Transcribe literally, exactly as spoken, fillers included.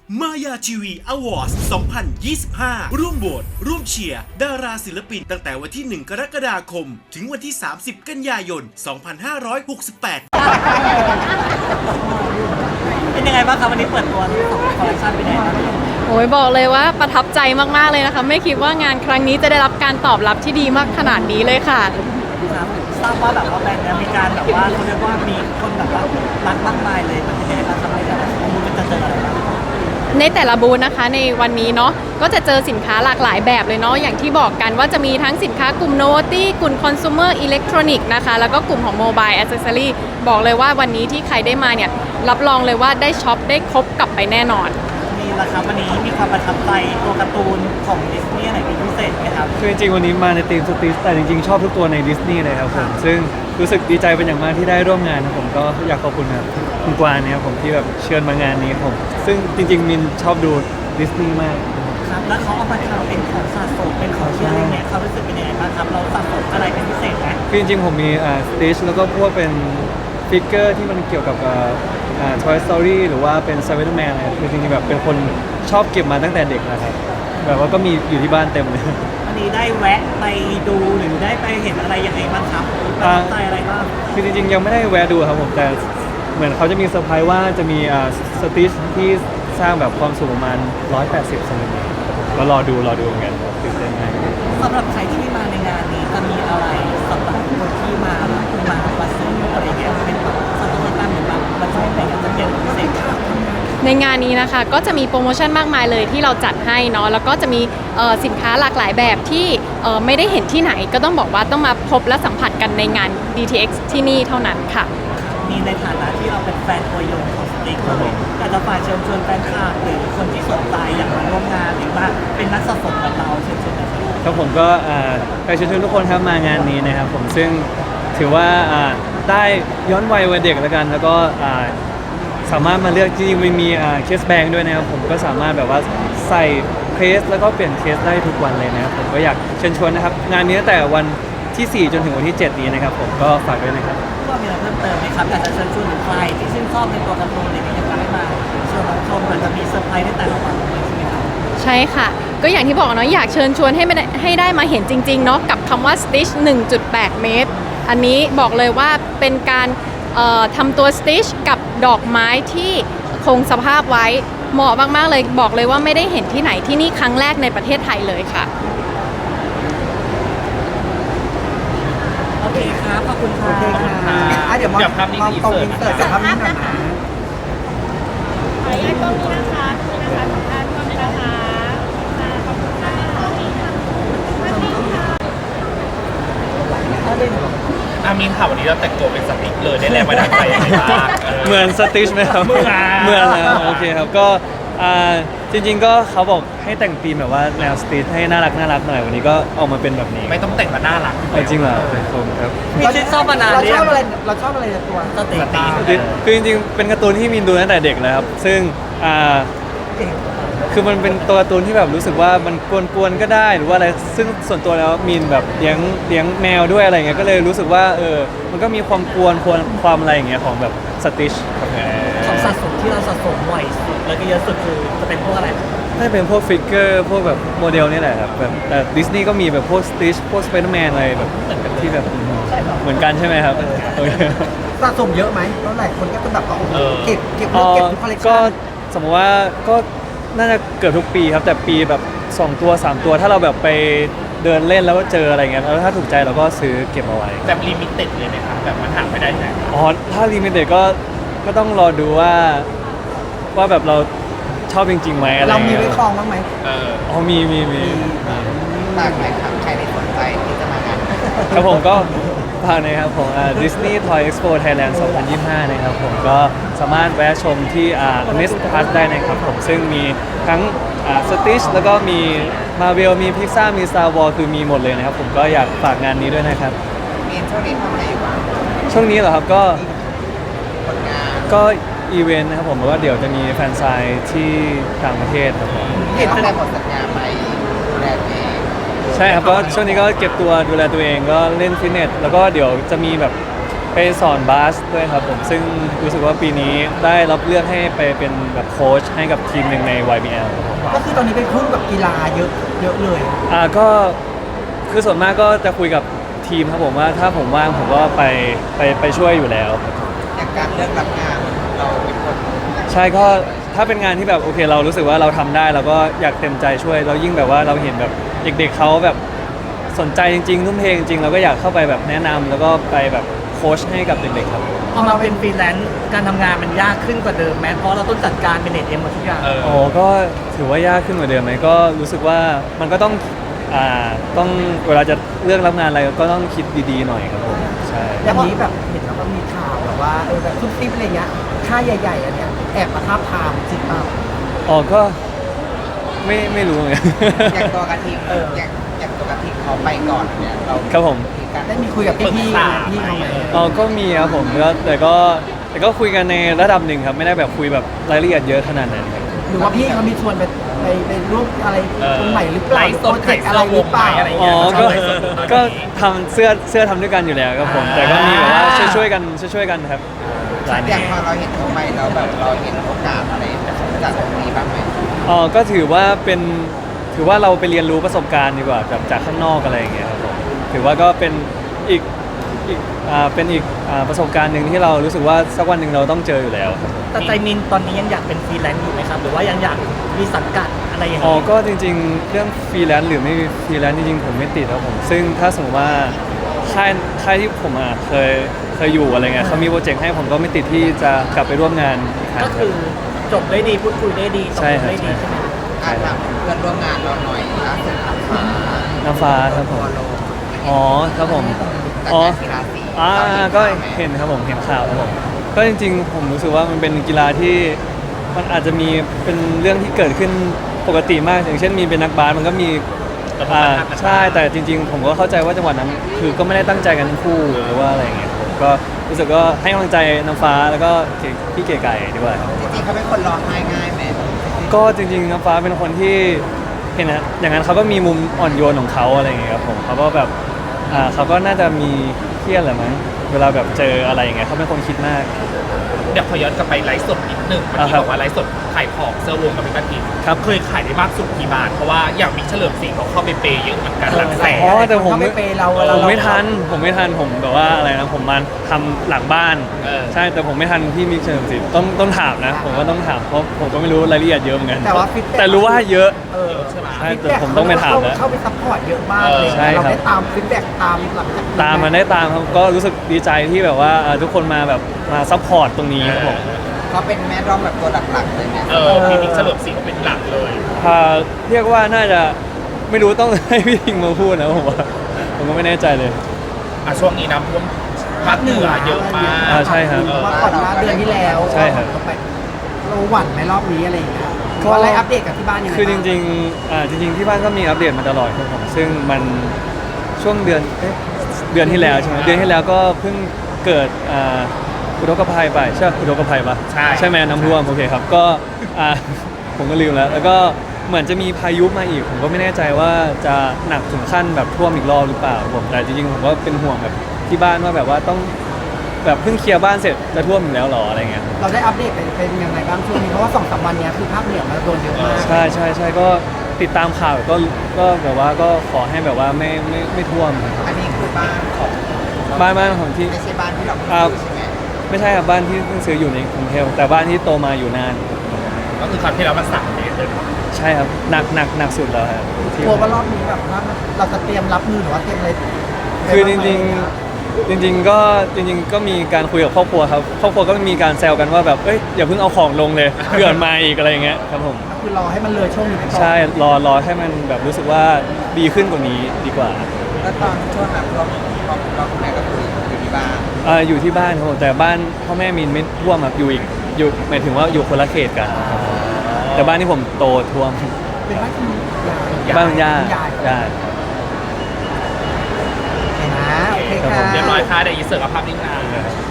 มายาทีวีอวอร์ดสองพันยี่สิบห้า ร่วมโหวตร่วมเชียร์ดาราศิลปินตั้งแต่วันที่ หนึ่ง กรกฎาคม ถึงวันที่ สามสิบ กันยายน สองพันห้าร้อยหกสิบแปดเป็นยังไงบ้างครับวันนี้เปิดตัวทั้งสองคอลเลคชันเป็นยังไงบ้างโอ้ยบอกเลยว่าประทับใจมากๆเลยนะคะไม่คิดว่างานครั้งนี้จะได้รับการตอบรับที่ดีมากขนาดนี้เลยค่ะครับทราบว่าแบบว่าแบรนด์เนี้มีการแบบว่าเขาเรียกว่ามีคนแบบว่ารักมากมายเลยมันเป็นยังไงบ้างครับในแต่ละบูธมันจะเจออะไรบ้างในแต่ละบูธนะคะในวันนี้เนาะก็จะเจอสินค้าหลากหลายแบบเลยเนาะอย่างที่บอกกันว่าจะมีทั้งสินค้ากลุ่ม Novelty กลุ่ม Consumer Electronic นะคะแล้วก็กลุ่มของ Mobile Accessory บอกเลยว่าวันนี้ที่ใครได้มาเนี่ยรับรองเลยว่าได้ช็อปได้ครบกลับไปแน่นอนนี่แหละครับวันนี้มีความประทับใจตัวการ์ตูนของดิสนีย์ไหนเป็นพิเศษไหมครับคือจริงๆวันนี้มาในธีมสติชแต่จริงๆชอบทุกตัวในดิสนีย์เลยครับผมซึ่งรู้สึกดีใจเป็นอย่างมากที่ได้ร่วมงานนะผมก็อยากขอบคุณครับคุณกวางเนี่ยครับผมที่แบบเชิญมางานนี้ผมซึ่งจริงๆมินชอบดูดิสนีย์มากครับแล้วเขาเอามาทำเป็นของสะสมเป็นของที่อะไรเนี่ยเขารู้สึกเป็นยังไงบ้างครับเราสะสมอะไรเป็นพิเศษไหมคือจริงๆผมมีอ่าสติชแล้วก็พวกเป็นฟิกเกอร์ที่มันเกี่ยวกับอ่าอ่า Toy Story หรือว่าเป็น Spider-Man อะไรคือจริงๆแบบเป็นคนชอบเก็บมาตั้งแต่เด็กนะครับแบบว่าก็มีอยู่ที่บ้านเต็มเลยวันนี้ได้แวะไปดูหรือได้ไปเห็นอะไรยังไงบ้างครับประทับใจอะไรบ้างคือจริงๆยังไม่ได้แวะดูครับผมแต่เหมือนเขาจะมีเซอร์ไพรส์ว่าจะมีอ่าสติชที่สร้างแบบความสูงประมาณหนึ่งร้อยแปดสิบเซนติเมตรก็รอดูรอดูเหมือนกันครับตื่นเต้นมากสำหรับใครที่มาในงานนี้จะมีอะไรสำหรับคนที่มาแล้วมามาซื้ออะไรเงี้ยเป็นแบบสตอรี่ตั้งหรือแบบมาช่วยอะไรเงี้ยจะเป็นพิเศษครับในงานนี้นะคะก็จะมีโปรโมชั่นมากมายเลยที่เราจัดให้เนาะแล้วก็จะมีเอ่อสินค้าหลากหลายแบบที่เอ่อไม่ได้เห็นที่ไหนก็ต้องบอกว่าต้องมาพบและสัมผัสกันในงาน ดี ที เอ็กซ์ ที่นี่เท่านั้นค่ะมีในฐานะที่เราเป็นแฟนตัวยงของสติ๊กเลยอยากจะฝากเชิญชวนแฟนคลับหรือคนที่สนใจอยากมาร่วมงานหรือว่าเป็นนักสะสมกับเราเชิญชวนนะครับครับผมก็อ่าไปเชิญชวนทุกคนครับมางานนี้นะครับผมซึ่งถือว่าอ่าได้ย้อนวัยวัยเด็กแล้วกัน แล้วก็อ่าสามารถมาเลือกจริงๆมันมีอ่าเคสแบงด้วยนะครับผมก็สามารถแบบว่าใส่เคสแล้วก็เปลี่ยนเคสได้ทุกวันเลยนะครับผมก็อยากเชิญชวนนะครับงานนี้ตั้งแต่วันที่สี่จนถึงวันที่เจ็ดนี้นะครับผมก็ฝากด้วยนะครับก็มีอะไรเพิ่มเติมไหมครับอยากจะเชิญชวนหรือใครที่ชื่นชอบในตัวการ์ตูนอะไรเงี้ยอยากจะให้มาเชิญรับชมเหมือนจะมีเซอร์ไพรส์ในแต่ละวันเลยใช่ไหมครับใช่ค่ะ ก็อย่างที่บอกเนาะอยากเชิญชวนให้ไม่ได้ให้ได้มาเห็นจริงๆเนาะกับคำว่า Stitch หนึ่งจุดแปด เมตร อันนี้บอกเลยว่าเป็นการเอ่อทำตัว Stitch กับดอกไม้ที่คงสภาพไว้เหมาะมากๆเลยบอกเลยว่าไม่ได้เห็นที่ไหนที่นี่ครั้งแรกในประเทศไทยเลยค่ะโอเคครับขอบคุณครับโอเคค่ะอ่ะเดี๋ยวมองมองตรงอินเสิร์ตกับภาพนี้หน่อยนะขออนุญาตกล้องนี้นะคะกล้องนะคะของด้านกล้องนี้นะคะค่ะขอบคุณค่ะกล้องนี้ค่ะกล้องนี้ค่ะอามินค่ะวันนี้เราแต่งตัวเป็นสติ๊กเลยได้แรงบันดาลใจยังไงบ้างเหมือนสติชไหมครับเหมือนเหมือนแล้วโอเคครับก็อ่าจริงๆก็เขาบอกให้แต่งธีมแบบว่าแนวสตรีทให้น่ารักน่ารักหน่อยวันนี้ก็ออกมาเป็นแบบนี้ไม่ต้องแต่งมาน่ารักเอาจริงเหรอขอบคุณครับมีชื่นชอบมานานเราหรือชยัอง บอะไรเราชอบอะไรในตัวสติ๊กดีคือจริงๆเป็นการ์ตูนที่มินดูตั้งแต่เด็กเลยครับซึ่งอ่าคือมันเป็นตัวการ์ตูนที่แบบรู้สึกว่ามันกวนๆก็ได้หรือว่าอะไรซึ่งส่วนตัวแล้วมินแบบเลี้ยงเลี้ยงแมวด้วยอะไรเงี้ยก็เลยรู้สึกว่าเออมันก็มีความกวนความความอะไรอย่างเงี้ยของแบบสติชครับของสะสมที่เราสะสมบ่อยสุดแล้วก็เยอะสุดคือจะเป็นพวกอะไรน่าจะเป็นพวกฟิกเกอร์พวกแบบโมเดลนี่แหละครับแบบแต่ดิสนีย์ก็มีแบบพวกสติชพวกสไปเดอร์แมนอะไรแบบที่แบบเหมือนกันใช่ไหมครับโอเคสะสมเยอะไหมเพราะหลายคนก็จะแบบว่าโอ้โหเก็บเก็บอ๋อเก็บทุกคอลเลคก็ชั่นสมมติว่าก็น่าจะเกือบทุกปีครับแต่ปีแบบสองตัวสามตัวถ้าเราแบบไปเดินเล่นแล้วก็เจออะไรเงี้ยแล้วถ้าถูกใจเราก็ซื้อเก็บเอาไว้แบบลิมิเต็ดเลยนะครับแบบมันหาไม่ได้ไหนอ๋อถ้าลิมิเต็ดก็ก็ต้องรอดูว่าว่าแบบเราชอบจริงๆไหมอะไรเรามีเงี้ยไว้คลองบ้างไหมเอออ๋อมีมีมีต่างไหมครับใครในสนใจที่จะมางานครับผมก็ฝากนะครับผมอ่า Disney Toy Expo Thailand สองพันยี่สิบห้านะครับผมก็สามารถแวะชมที่อ่า Nest Plus ได้นะครับผมซึ่งมีทั้งอ่า Stitch แล้วก็มี Marvel มี Pixar มี Star Wars คือมีหมดเลยนะครับผมก็อยากฝากงานนี้ด้วยนะครับมีช่วงนี้ทำอะไรอยู่บ้างช่วงนี้เหรอครับก็ผลงานก็อีเวนต์นะครับผมแล้วก็เดี๋ยวจะมีแฟนไซน์ที่ต่างประเทศครับผมเห็นตั้งแต่หมดสัญญาไปดูแลตัวเองใช่ครับก็ช่วงนี้ก็เก็บตัวดูแลตัวเองก็เล่นฟิตเนสแล้วก็เดี๋ยวจะมีแบบไปสอนบาสด้วยครับผมซึ่งรู้สึกว่าปีนี้ได้รับเลือกให้ไปเป็นแบบโค้ชให้กับทีมหนึ่งใน วาย บี แอล ครับผมก็คือตอนนี้เป็นคู่กับกีฬาเยอะเยอะเลยอ่าก็คือส่วนมากก็จะคุยกับทีมครับผมว่าถ้าผมว่างผมก็ไปไปไปช่วยอยู่แล้วครับอย่างการเลือกรับงานเราเป็นคนใช่ก็ถ้าเป็นงานที่แบบโอเคเรารู้สึกว่าเราทำได้เราก็อยากเต็มใจช่วยเรายิ่งแบบว่าเราเห็นแบบเด็กๆเขาแบบสนใจจริงๆทุ่มเทจริงๆเราก็อยากเข้าไปแบบแนะนำแล้วก็ไปแบบโค้ชให้กับเด็กๆครับพอมาเป็นฟรีแลนซ์การทำงานมันยากขึ้นกว่าเดิมไหมเพราะเราต้องจัดการเป็นเน็ตเอ็มหมดทุกอย่างเออโอ้ก็ถือว่ายากขึ้นกว่าเดิมไหมก็รู้สึกว่ามันก็ต้องอ่าต้องเวลาจะเลือกรับงานอะไรก็ต้องคิดดีๆหน่อยครับผมใช่อย่างนี้แบบเห็นแล้วก็มีข่าวแบบว่าเออแบบซุปซิปอะไรเงี้ยค่ายใหญ่ๆอันเนี้ยแอบมาทาบทามจริงเปล่าอ๋อก็ไม่ไม่รู้เหมือนกันอย่างตัวกระทิงเอออย่างอย่างตัวกระทิงเขาไปก่อนเนี่ยเราครับผมได้มีคุยกับพี่พี่ๆพี่เขาไหมอ๋อก็มีครับผมแล้วแต่ก็แต่ก็คุยกันในระดับหนึ่งครับไม่ได้แบบคุยแบบรายละเอียดเยอะขนาดนั้นครับหรือว่าพี่เขามีชวนไปไปไปร่วมอะไรเออตรงไหนหรือเปล่าไลฟ์สดโปรเจกต์อะไรหรือเปล่าขายเสื้อวงไหมอะไรอ๋อเงี้ยก็เราชอบไลฟ์สดอยู่ตอนนี้ก็ทำเสื้อเสื้อทำด้วยกันอยู่แล้วครับผม แต่ก็มีแบบว่าช่วยช่วยๆกันช่วยช่วยๆกันครับร้านอนี้ย่างพอเราเห็นเขาไปแล้วแบบเราเห็นโอกาสอะไรจากตรงนี้บ้างไหมอ๋อก็ถือว่าเป็นถือว่าเราไปเรียนรู้ประสบการณ์ดีกว่าจากจากข้างนอกอะไรอย่างเงี้ยครับผมถือว่าก็เป็นอีกอีกอ่าเป็นอีกอ่าประสบการณ์หนึ่งที่เรารู้สึกว่าสักวันหนึ่งเราต้องเจออยู่แล้วครับผมแต่ใจมินตอนนี้ยังอยากเป็นฟรีแลนซ์อยู่ไหมครับหรือว่ายังอยากมีสังกัดอะไรอย่างอ๋อนี้ก็จริงๆ เรื่องฟรีแลนซ์หรือไม่ฟรีแลนซ์จริงๆ ผมไม่ติดครับผม ซึ่งถ้าสมมติว่าค่ายค่ายที่ผมอ่ะเคยเคยอยู่อะไรเงี้ยเขามีโปรเจกต์ให้ผมก็ไม่ติดที่จะกลับไปร่วมงานอีกครั้งก็คือจบได้ดีพูดคุยได้ดีตกใช่ลงครับได้ดีใช่ใช่ไหมอ่านแบบเพื่อนร่วมงานเราหน่อยล่าสุดอัลฟาน้ำฟ้าครับผมโลอ๋อครับผมจากอ๋อการกีฬาสีอ่าเราก็ข่าวไหมเห็นครับผมเห็นข่าวครับผมก็จริงๆ ผมรู้สึกว่ามันเป็นกีฬาที่มันอาจจะมีเป็นเรื่องที่เกิดขึ้นปกติมาก อย่างเช่นมีเป็นนักบาสมันก็มีอ่าใช่แต่จริง ๆ ผมก็เข้าใจว่าจังหวะนั้นคือก็ไม่ได้ตั้งใจกันทั้งคู่หรือว่าอะไรอย่างเงี้ยผมก็รู้สึกก็ให้กำลังใจน้ำฟ้าแล้วก็พี่เก๋ไก่ดีกว่าครับจริงๆเขาเป็นคนร้องไห้ง่ายไหมก็จริงๆน้ำฟ้าเป็นคนที่เห็นนะอย่างนั้นเขาก็มีมุมอ่อนโยนของเขาอะไรอย่างเงี้ยครับผมเขาก็แบบอ่าเขาก็น่าจะมีเครียดแหละมั้งเวลาแบบเจออะไรอย่างเงี้ยเขาเป็นคนคิดมากเดี๋ยวขอย้อนกลับไปไลฟ์สดนิดหนึ่งเมื่ออ่ากี้ครับบอกว่าไลฟ์สดขายของเสื้อวงกับพี่กระทิงครับเคยขายได้มากสุดกี่บาทเพราะว่าอย่างมิกเฉลิมศรีเขาเข้าไปเปย์เยอะเหมือนกันหลักแสนอ๋อแต่ผมเขาไม่เปย์เราเวลาผมเราไม่ทันผมไม่ทันผมแบบว่าอะไรนะผมมาทำหลังบ้านเออใช่แต่ผมไม่ทันพี่มิกเฉลิมศรีต้องต้องถามนะ ผมก็ต้องถามเพราะผมก็ไม่รู้รายละเอียดเยอะเหมือนกันแต่ว่า feedback แต่รู้ว่าเยอะเออใช่ไหมใช่แต่ผมต้องไปถามแล้วเข้าไปซัพพอร์ตเยอะมากเลยใช่เราครับได้ตามฟีดแบ็กตามหลังจากตามมาได้ตามครับก็รู้สึกดีใจที่แบบว่าเอ่อทุกคนมาแบบมาซัพพอร์ตตรงนี้ครับผมเขาเป็นแม่ร้องแบบตัวหลักๆเลยเนี่ยเออพี่มิกเฉลิมศรีเขาเป็นหลักเลยอ่าเรียกว่าน่าจะไม่รู้ต้อง ให้พี่ทิงมาพูดนะผมว่าผมก็ไม่แน่ใจเลยอ่ะช่วงนี้น้ำท่วมภาคเหนือเยอะมากอ่าใช่ครับเออว่าก่อนหน้าเดือนที่แล้วใช่ครับเราไปเราหวั่นไหมรอบนี้อะไรอย่างเงี้ยก็ก็อะไรอัปเดตกับที่บ้านยังไงคือจบ้างริงๆอ่าจริง ๆ ที่บ้านก็มีอัปเดตมาตลอดครับผมซึ่งมันช่วงเดือนเอ๊ะเดือนที่แล้วใช่ไหมเดือนที่แล้วก็เพิ่งเกิดอ่าอุทกภัยไปใช่ปะอุทกภัยปะใช่ใช่ไหมน้ำท่วมโอเคครับก็อ่า ผมก็ลืมแล้ว แล้วก็เหมือนจะมีพายุมาอีก ผมก็ไม่แน่ใจว่าจะหนักถึงขั้นแบบท่วมอีกรอบหรือเปล่าผมแต่จริงๆผมก็เป็นห่วงแบบที่บ้านว่าแบบว่าต้องแบบเพิ่งเคลียร์บ้านเสร็จจะท่วมอีกแล้วเหรออะไรเงี้ยเราได้อัปเดตเป็นเป็นยังไงบ้างช่วงนี้เพราะว่าสองสามวันเนี้ยคือภาคเหนือมันโดนเยอะมากใช่ใช่ใช่ก็ติดตามข่าวก็ก็แบบว่าก็ขอให้แบบว่าไม่ไม่ไม่ท่วมครับอันนี้คือบ้านของบ้านบ้านของที่ไม่ใช่บ้านที่เราอ่าซื้อใช่ไหมไม่ใช่ครับบ้านที่เพิ่งซื้ออยู่ในกรุงเทพแต่บ้านที่โตมาอยู่นานก็คือคราวที่แล้วมันสามเมตรเลยใช่ครับหนักหนักหนักสุดแล้วครับที่กลัวว่ารอบนี้แบบว่าเราจะเตรียมรับมือหรือว่าเตรียมอะไรคือจริงๆจริง ๆ ก็จริง ๆ ก็มีการคุยกับครอบครัวครับครอบครัวก็มีการแซวกันว่าแบบเอ้ยอย่าเพิ่งเอาของลงเลยเผื่อมาอีกอะไรอย่างเงี้ยครับผมก็คือรอให้มันเลยช่วงนี้ไปก่อนใช่รอรอให้มันแบบรู้สึกว่าดีขึ้นกว่านี้ดีกว่าแล้วตอนช่วงนั้นเราเราเราคุณแม่ก็คืออยู่ที่บ้านอ่าอยู่ที่บ้านครับผมแต่บ้านพ่อแม่มินไม่ท่วมครับอยู่อีกอยู่หมายถึงว่าอยู่คนละเขตกันครับผมแต่บ้านที่ผมโตท่วมเป็นบ้านที่มียายบ้านคุณย่าคุณยายย่าเห็นนะโอเคครับค่ะผมเรียบร้อยค่ะเดี๋ยวอีเสิร์ฟกับภาพนิ่งนาน